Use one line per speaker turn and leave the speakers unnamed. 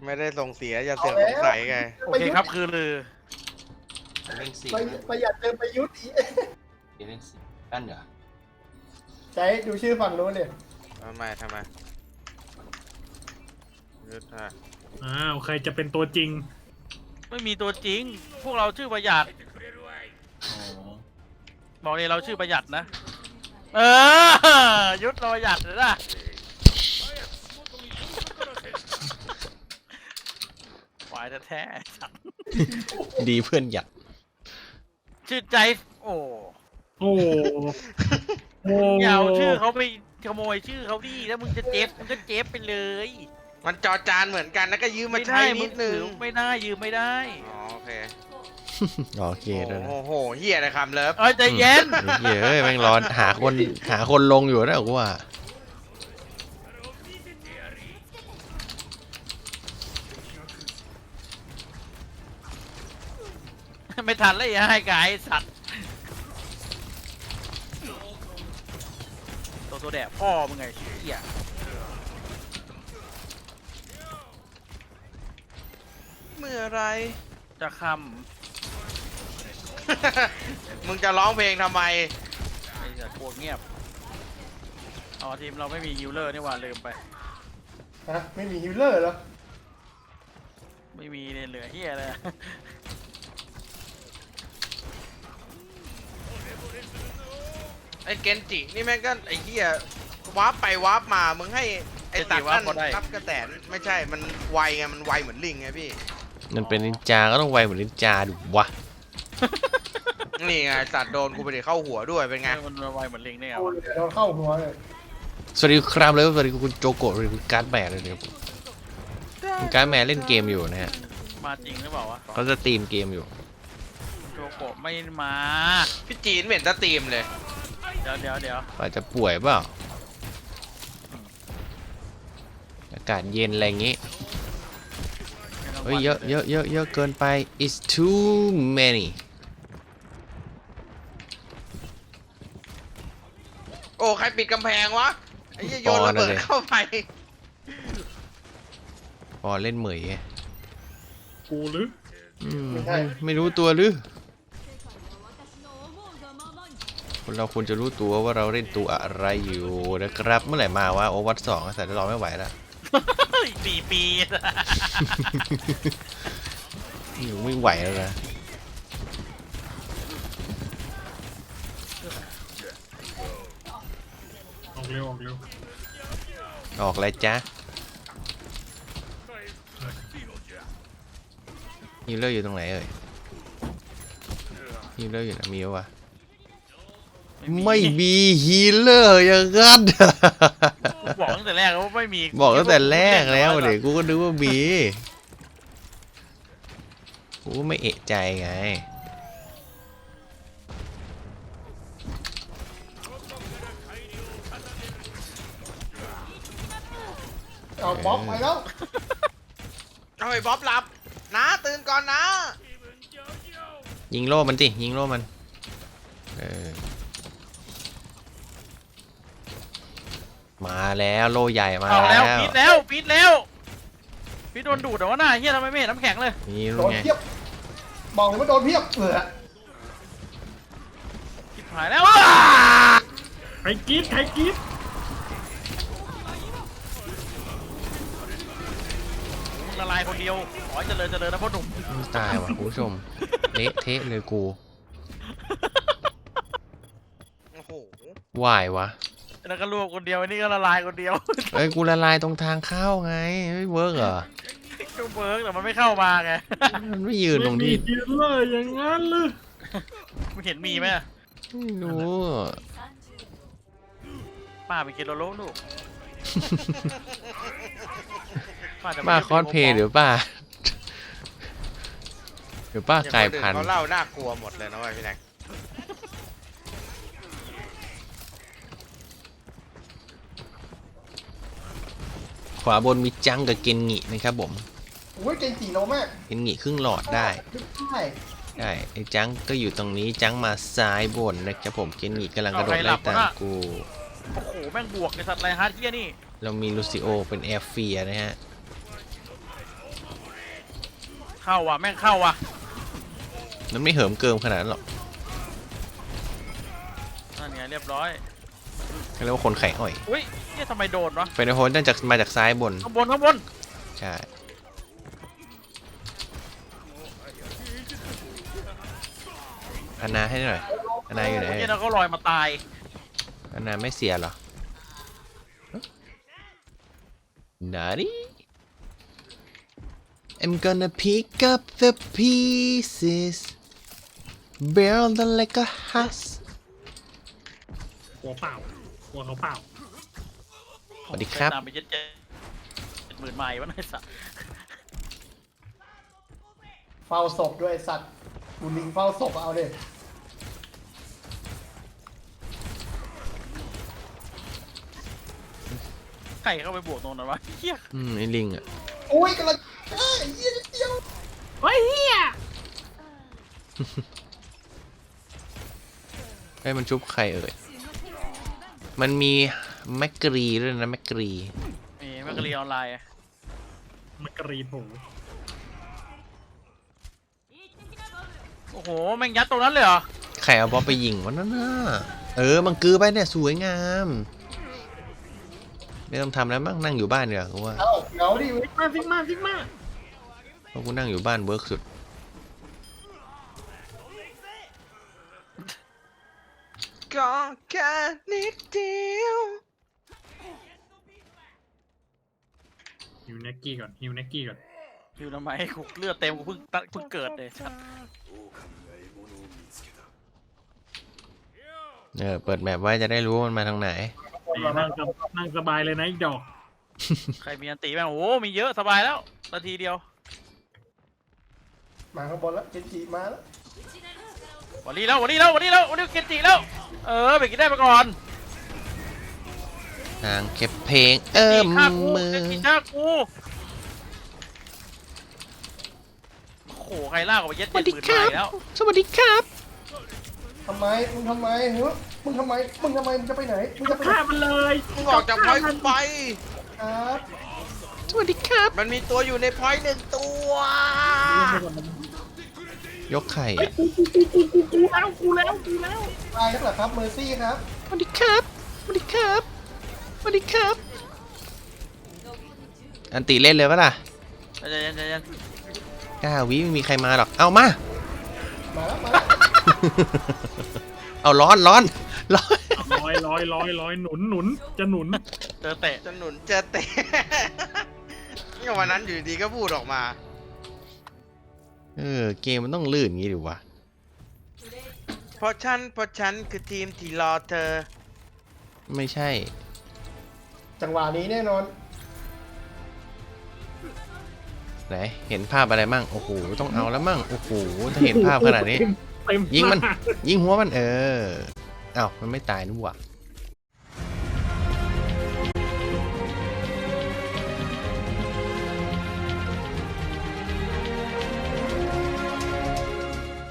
ไม่ได้ส่งเสียอย่าเสือกสงสัยไง
โอเคครับคือลือ
เล่นสี่
ประหยัดเติมประยุทธ์อีก
เล่นสี่นั่นเหรอ
ใช้ดูชื่อฝั่งนู้นเนี่ย
ทำไมยุทธะ
อ้าวใครจะเป็นตัวจริง
ไม่มีตัวจริง พวกเราชื่อประหยัด
อ๋อ
บอกเลยเราชื่อประหยัดนะ ยุทธเราประหยัดเลยนะควายแท้ๆสัตว์
ดีเพื่อนอยาก
ชื่อใจโอ้
โอ้โห
อย่าเอาชื่อเขาไปขโมยชื่อเขาดิแล้วมึงจะเจ็บมึงก็เจ็บไปเลย
มันจอจานเหมือนกันแล้วก็ยืมมาใช้นิดนึง
ไม่ได้ยืมไม่ได้
อ๋อโอเค
โอเคด้วยนะ
โอ้โหเฮียอะไรคำเลิฟ
เอ้ยใจเย็น
เฮ้ยแม่งร้อนหาคนลงอยู่นะกูว่า
ไม่ทันเลยให้กายสัตว์ตัวแดดพ่อมึงไงเหี้ย
เมื่อไร
จะค
มึงจะร้องเพลงทำไม
ำไอ้สัตว์พวกเงียบอ๋อทีมเราไม่มีฮิลเลอร์นี่หว่าลืมไป
ฮะไม่มีฮิลเลอร์เหรอ
ไม่มีเลยเหลือเฮียเลย
ไอ้เกนจินี่แม่งก็ไอ้เหี้ยวาร์ปไปวาร์ปมามึงให้ไอ้ตัดนั่นรับกระแตนไม่ใช่มันไวไงมันไวเหมือนลิงไงพี่
มันเป็นนินจาก็ต้องไวเหมือนนินจาดูวะ
นี่ไงสัตว์โดนกูไปเดี๋ยวเข้าหัวด้วยเป็นไง
มันไวเหมือนลิงเนี่ย
โอ้ยเดี๋ยวโดนเข้าหัวเลย
สวัสดีครับเลยสวัสดีคุณโจโกะสวัสดีคุณการ์ดแมนเลยนะครับคุณการ์ดแมนเล่นเกมอยู่นะฮะ
มาจริงหรือเปล่าวะ
เขาจะสตรีมเกมอยู่
โจโกะไม่มา
พี่จีนเหม็นตะตีมเลย
เดี๋ยว
อาจจะป่วยเปล่าอากาศเย็นอะไรอย่างงี้เฮ้ยเยอะเกินไป it's too many
โอ้ใครปิดกำแพงวะไอ้เหี้ยโยนระเบิดเข้าไป
พอเล่นเหมยไง
กูหรือ
ไม่รู้ตัวหรือคนเราควรจะรู้ตัวว่าเราเล่นตัวอะไรอยู่นะครับเมื่อไหร่มาวะโอวัตสองแต่เราไม่ไหวแล้ว
อีก4 ปี
อยู่ไม่ไหวแล้วนะ
ออกเร็วออกเร็ว
ออกเลยจ้ะฮีลเลอร์อยู่ตรงไหนเอ่ยฮีลเลอร์อยู่ไหนมีวะไม่มีฮีลเลอร์อย่างนั้น
บอกตั้งแต่แรกแล้วว่าไม่มี
บอกตั้งแต่แรกแล้วเดี๋ยวกูก็นึกว่ามีกูก็ไม่เอะใจไง
เอาบล็อกไปแล้ว
เอาไอ้บ๊อบหลับนะตื่นก่อนนะ
ยิงโล่มันสิยิงโล่มันมาแล้วโล่ใหญ่มา
เอาแล้ว
แล้ว
ปิดโดนดูดแต่ว่าหน้าเฮียทำไมไม่เห็นน้ำแข็งเลย
นี่
โด
รู้
น
ไง
เพียบบอกเลยว่าโดนเพียบ
ชิบหายแล้ว
ใครกรีดใครกรีด
มึงละลายคนเดียวขอให้เจริญนะพ่อหนุ่ม
ตายว่ะคุณผู้ชมเละเทะเลยกู
โอ้โห
วายวะ
แล้วก็รวบคนเดียวอันนี้ก็ละลายคนเดียว
เอ้ยกูละลายตรงทางเข้าไงไม่เวิร์กเหรอ
ก็เบิร์กแต่มันไม่เข้ามาไง
มันไม่ยืนตรง
ไม่มี
ที่
ฮีลเลอร์อย่างนั้นหรือ
ไม่เห็นมีไหม
ไม่รู้
ป้าไปกินโลโลลูก
ป้าคอสเพลย์หรือป้าหรือป้ากลายพันธุ์
เขาเล่าน่ากลัวหมดเลยนะเว้ยพี่แน็ก
ขวาบนมีจังกับเกนงินะครับผม
โอ้ยเก่งจีโนมาก
เกนงิครึ่งหลอดได้
ใช่
ใช่ไอ้จังก็อยู่ตรงนี้จังมาซ้ายบนนะครับผมเกนงิกำลังกระโดดไล่ตามกู
โอ้โหแม่งบวกในสัตว์ไรฮาร์ดเฮียนี่
เรามีลูซิโอเป็นแอร์เฟียนะฮะ
เข้าว่ะแม่งเข้าว่ะ
มันไม่เหิมเกิมขนาดนั้นหรอก
นั่นไงเรียบร้อย
เขาเรียกว่าคนไข่อ่อย
อุ้ยเนี่ยทำไมโดนวะ
เฟรนโฮนน่าจะมาจากซ้ายบน
ข้างบนข้างบน
ใช่อานาให้หน่อยอานาอยู่ไหน
เนี่ยเราก็ลอยมาตาย
อานาไม่เสียเหรอนาดิ I'm gonna pick up the pieces build them like a house
กลัวเปล่า กลัวเขาเปล่า
สวัสดีครับ
ตามไป70,000 ไมล์วะไอ้สัส
เฝ้าศพด้วยสัตว์กูลิงเฝ้าศพเอาเด็
ใครเข้าไปบวกตรงนั้นวะเฮีย
ไอ้ลิงอ่ะ
โอ้ยกำลังเอ้ยเหี้ยนิดเดียว
เฮ้ยเฮีย
ไอ้ยมันชุบใครเอ่ย มันมีแมกกรีด้วยนะแมกกรี
นี่แมกกาลีออนไลน์อะ
มันกรีดหู
โอ้โหแม่งยัดตรงนั้นเลยเหรอ
ใครเอาบอลไปยิงวะนั่นน่ะมังกือไปเนี่ยสวยงาม ไม่ต้องทำแล้วมั้งนั่งอยู่บ้านเนีกว่ยกูว่า
เอ้าเหงาดิ
ซิกมาซิกมา
เพราะกูนั่งอยู่บ้านเวิร์กสุด
ก็แค่นิดเดียว
ฮิวเน็กกี้ก่อนฮิวเน็กกี้ก่อน
อยู่ทำไมกูเลือดเต็มกูเพิ่งเกิดเลยสัส
เปิดแมปไว้จะได้รู้ว่ามันมาทางไหน
นั่งสบายเลยนะอีกดอก
ใครมีอันตีบ้างโอ้โหมีเยอะสบายแล้วนาทีเดียว
มาข้างบนแล้วเจนจิมาแล้ว
วันนี้เกนจิแล้วไปกินได้ไปก่อน
ทางเก็บเพลง
ฆ่ากู
มือ
เกนจิฆ่ากูโอ้โหใครลากออกไปเย็ด
สวัสดี
70,000
ครั
ไม
บ
ล์แล้ว
สวัสดีครับ
ทำไมมึงทำไมเฮ้ยมึงทำไมมึงจะไปไหนมึงจะไปไหน
ฆ่ามันเลย
มึงออกจากพอยต์กูไป
ครับ
สวัสดีครับ
มันมีตัวอยู่ในพอยต์หนึ่งตัว
ยกไข่
กูแล้ว
ตายแล้วเหรอครับเมอร์ซี่ครับ
สวัสดีครับสวัสดีครับสวัสดีครับ อันติเล่นเลยปะล่ะ
ใจเย็น
9 วิไม่มีใครมาหรอก เอามา
มาแล้วมาแล้ว
เอาร้อน
ลอยหนุนจะหนุน
เจอเตะ
จะหนุนเจอเตะ เนี่ยวันนั้นอยู่ดีก็พูดออกมา
เกมมันต้องลื่นงี้ดิวะ
เพราะฉันคือทีมที่รอเธอ
ไม่ใช่
จังหวะนี้แน่นอน
ไหน เห็นภาพอะไรมั่ง โอ้โห ต้องเอาแล้วมั่ง โอ้โห ถ้าเห็นภาพขนาดนี้
เต็ม
ยิงมัน
หา
ยิงหัวมันเอ้าวมันไม่ตายนี่หว่า